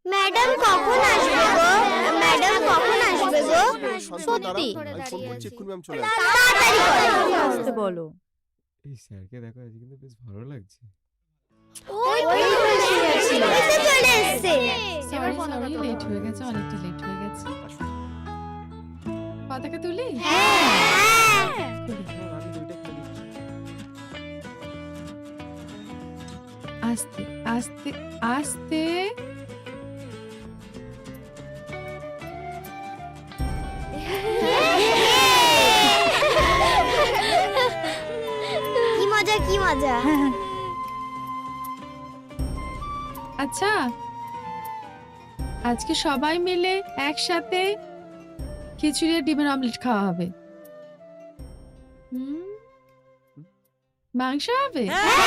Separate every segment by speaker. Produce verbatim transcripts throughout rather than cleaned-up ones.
Speaker 1: Madam কখন আসবে গো? Madam কখন আসবে গো? সত্যি
Speaker 2: আমি ফোন করছি, এক্ষুনি ম্যাম চলে আসবে।
Speaker 1: তাড়াতাড়ি করো।
Speaker 3: আসতে বলো।
Speaker 4: এই স্যারকে দেখো আজকে কিন্তু বেশ ভালো লাগছে।
Speaker 1: ওই ওই এসে চলে এসেছে।
Speaker 5: সরি সরি লেট হয়ে গেছে, অনেকটা লেট হয়ে গেছে। পতাকা তুলি?
Speaker 1: হ্যাঁ
Speaker 4: আমি দুইটা খেলে দিচ্ছি।
Speaker 5: আস্তে আস্তে আস্তে।
Speaker 1: কি মজা কি মজা।
Speaker 5: আচ্ছা, আজকে সবাই মিলে একসাথে খিচুড়ি আর ডিমের অমলেট খাওয়া হবে। হুম, মাংস হবে?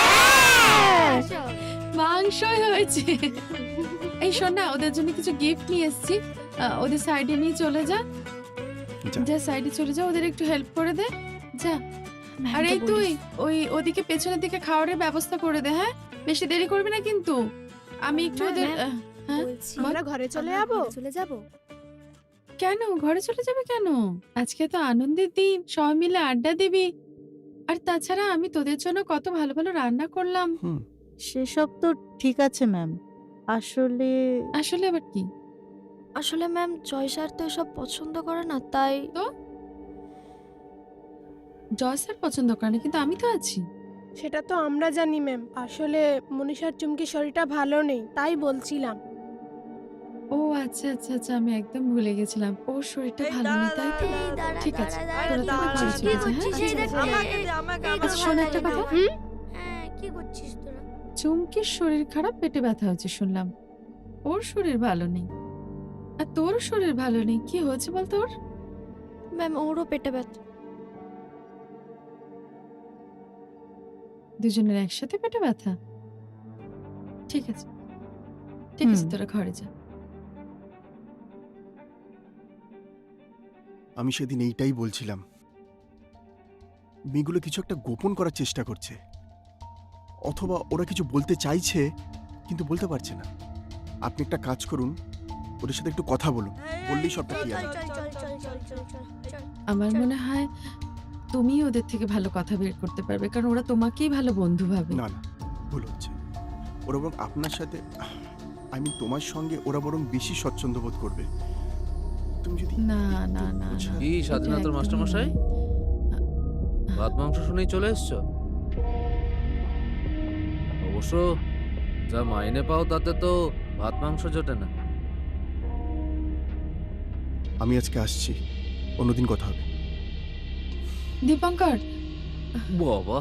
Speaker 5: মাংসই হয়েছে। এই শোন না, ওদের জন্য কিছু গিফট নিয়ে এসেছি, আহ, ওদের সাইডে নিয়ে চলে যা।
Speaker 2: যা।
Speaker 5: যা সাইডে চলে যা, ওদের একটু হেল্প করে দে যা। আর এই তুই ওই ওদিকে পেছনের দিকে খাওয়ারের ব্যবস্থা করে দে। হ্যাঁ, বেশি দেরি করবি না কিন্তু। আমি একটু ওদের আহ, হ্যাঁ
Speaker 6: আমরা ঘরে চলে যাবো।
Speaker 3: চলে যাব।
Speaker 5: কেন ঘরে চলে যাবে কেন? আজকে তো আনন্দের দিন, সবাই মিলে আড্ডা দিবি। আর তাছাড়া আমি তোদের জন্য কত ভালো ভালো রান্না করলাম।
Speaker 2: হুম
Speaker 3: সেসব তো ঠিক আছে ম্যাম, আসলে
Speaker 5: আসলে আবার কি?
Speaker 7: আসলে ম্যাম জয় স্যার তো এসব পছন্দ করে না, তাই
Speaker 5: জয় স্যার পছন্দ করে না, কিন্তু আমি তো আছি।
Speaker 6: সেটা তো আমরা জানি ম্যাম। আসলে মনীষার চুমকির শরীরটা ভালো নেই, তাই বলছিলাম।
Speaker 5: ও আচ্ছা আচ্ছা আচ্ছা, আমি একদম ভুলে গেছিলাম, ওর শরীরটা ভালো নেই তাই তো। ঠিক আছে, তোরা তাহলে ঘরে চলে যা, হ্যাঁ? আচ্ছা শোন একটা কথা,
Speaker 1: হ্যাঁ কি করছিস তোরা?
Speaker 5: চুমকির শরীর খারাপ, পেটে ব্যথা হচ্ছে শুনলাম। ওর শরীর ভালো নেই, আর তোর শরীর ভালো নেই। কি হয়েছে বল তোর?
Speaker 7: ম্যাম ওরও পেটে ব্যথা।
Speaker 5: দুজনের একসাথে পেটে ব্যথা? ঠিক আছে ঠিক আছে,
Speaker 3: হুম।
Speaker 5: তোরা ঘরে যা।
Speaker 2: আমি সেদিন এইটাই বলছিলাম, মেয়েগুলো কিছু একটা গোপন করার চেষ্টা করছে, অথবা ওরা কিছু বলতে চাইছে কিন্তু বলতে পারছে না। আপনি একটা কাজ করুন, ওদের সাথে একটু কথা বলুন, বললেই সবটা ক্লিয়ার হবে।
Speaker 1: চল চল চল চল চল চল চল।
Speaker 5: আমার মনে হয় তুমি ওদের থেকে ভালো কথা বের করতে পারবে, কারণ ওরা তোমাকেই ভালো বন্ধু ভাবে।
Speaker 2: না না, ভুল হচ্ছে। ওরা বরং আপনার সাথে, আই মিন তোমার সঙ্গে ওরা বরং বেশি স্বচ্ছন্দ বোধ করবে। তুমি যদি
Speaker 5: না
Speaker 2: একটু
Speaker 5: না না
Speaker 2: বোঝা-
Speaker 5: না,
Speaker 8: কি
Speaker 5: এটা
Speaker 8: স্বাধীনতার
Speaker 5: একদমই
Speaker 8: মাস্টারমশাই?
Speaker 5: নয়।
Speaker 8: ভাত মাংস শুনেই চলে এসছো? অবশ্য যা মাইনে পাও তাতে তো ভাত মাংস জোটে না।
Speaker 2: আমি আজকে আসছি, অন্যদিন কথা হবে।
Speaker 5: দীপঙ্কর,
Speaker 8: বাবা,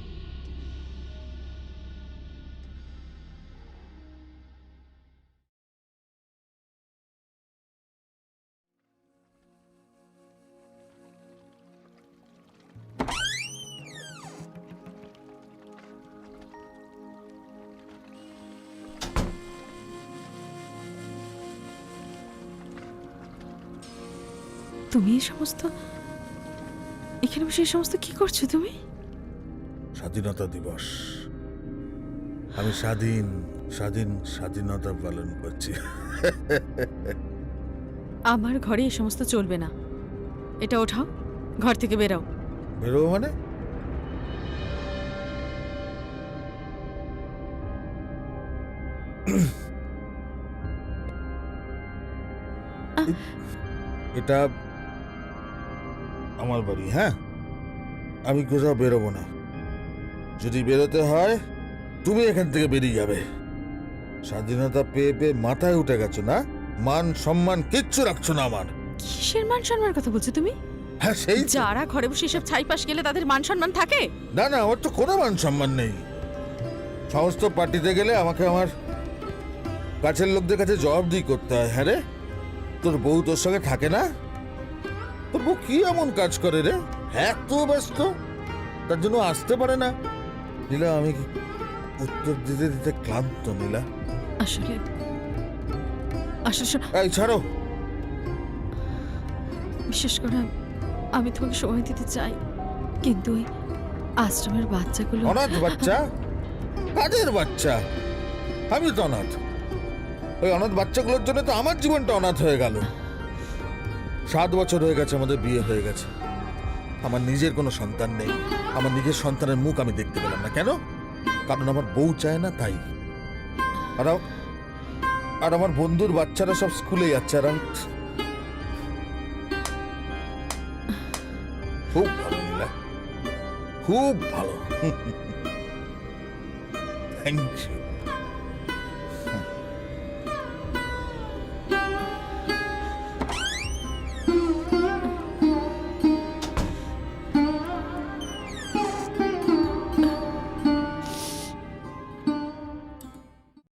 Speaker 5: তুমি এই সমস্ত এখানে বসে এই সমস্ত কি করছো তুমি?
Speaker 9: স্বাধীনতা দিবস, আমি স্বাধীন স্বাধীন স্বাধীনতা পালন করছি।
Speaker 3: আমার ঘরে এই সমস্ত চলবে না। এটা ওঠাও, ঘর থেকে বেরাও।
Speaker 9: বেরোবো মানে? এটা আমার বাড়ি, হ্যাঁ? আমি কোথাও বেরোবো না। যদি বেরোতে হয় তুমি এখান থেকে বেরিয়ে যাবে। স্বাধীনতা পেয়ে পেয়ে মাথায় উঠে গেছো না? মান সম্মান কিচ্ছু রাখছো না আমার।
Speaker 3: কিসের মান সম্মানের কথা বলছো তুমি?
Speaker 9: হ্যাঁ সেই তো।
Speaker 3: যারা ঘরে বসে এসব ছাইপাশ গেলে তাদের মান সম্মান থাকে?
Speaker 9: না না, আমার তো কোনো মান সম্মান নেই। সমস্ত পার্টিতে গেলে আমাকে আমার কাছের লোকদের কাছে জবাবদিহি করতে হয়। হ্যাঁ রে, তোর বউ তোর সঙ্গে থাকে না? তোর বউ কি এমন কাজ করে রে? এত ব্যস্ত, তার জন্য আসতে পারে না। নীলা, আমি কি উত্তর দিতে দিতে ক্লান্ত নীলা।
Speaker 3: আসলে আসলে শোনো,
Speaker 9: এই ছাড়ো।
Speaker 3: বিশেষ করে আমি তোমাকে সময় দিতে চাই, কিন্তু ওই আশ্রমের বাচ্চাগুলো
Speaker 9: অনাথ বাচ্চা? কাদের বাচ্চা? আমি তো অনাথ। ওই অনাথ বাচ্চাগুলোর জন্য তো আমার জীবনটা অনাথ হয়ে গেল। সাত বছর হয়ে গেছে আমাদের বিয়ে হয়ে গেছে, আমার নিজের কোনো সন্তান নেই। আমার নিজের সন্তানের মুখ আমি দেখতে পেলাম না। কেন? কারণ আমার বউ চায় না, তাই। আর আম- আর আমার বন্ধুর বাচ্চারা সব স্কুলে যাচ্ছে, আর আমি খুব ভালো নীলা, খুব ভালো। Thank you.